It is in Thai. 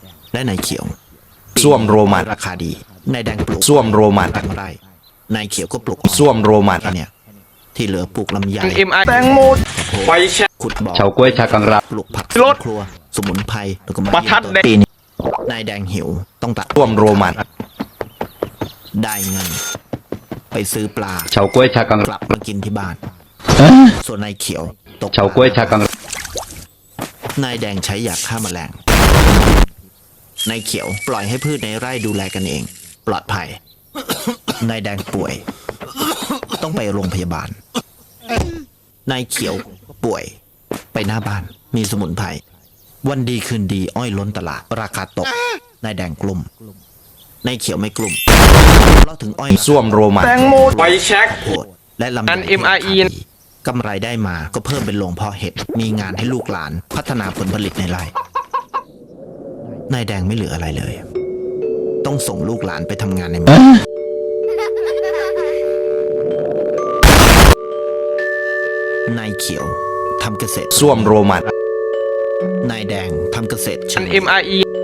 และนายเขียวส้วมโรมันราคาดีนายแดงปลูกส้วมโรมันตั้งไร่นายเขียวก็ปลูกส้วมโรมันเนี่ยที่เหลือปลูกลำไยแตงโมไฟแช็กขุดบ่อเฉาก้วยชากังราปลูกผักรถครัวสมุนไพรแล้วก็มาประทัดแดงปีนี้นายแดงหิวต้องตัดส้วมโรมันได้เงินไปซื้อปลาเฉาก้วยชากังกลับมากินที่บ้าน ส่วนนายเขียวตกเฉาก้วยชากังนายแดงใช้ยาฆ่าแมลงนายเขียวปล่อยให้พืชในไร่ดูแลกันเอง ปลอดภัย นายแดงป่วย ต้องไปโรงพยาบาล นายเขียวป่วย ไปหน้าบ้านมีสมุนไพรวันดีคืนดีอ้อยล้นตลาดราคาตกนายแดงกลุ่มนายเขียวไม่กลุ่มเพราะถึงอ้อยส้วมโรมันแตงโมไฟแช็กโหดและลำไยอัน MRE กำไรได้มาก็เพิ่มเป็นโรงเพาะเห็ดมีงานให้ลูกหลานพัฒนาผลผลิตในไร่นายแดงไม่เหลืออะไรเลย ต้องส่งลูกหลานไปทำงานในเมืองนายเขียวทำเกษตรส้วมโรมันนายแดงทำเกษตรเชิง MRE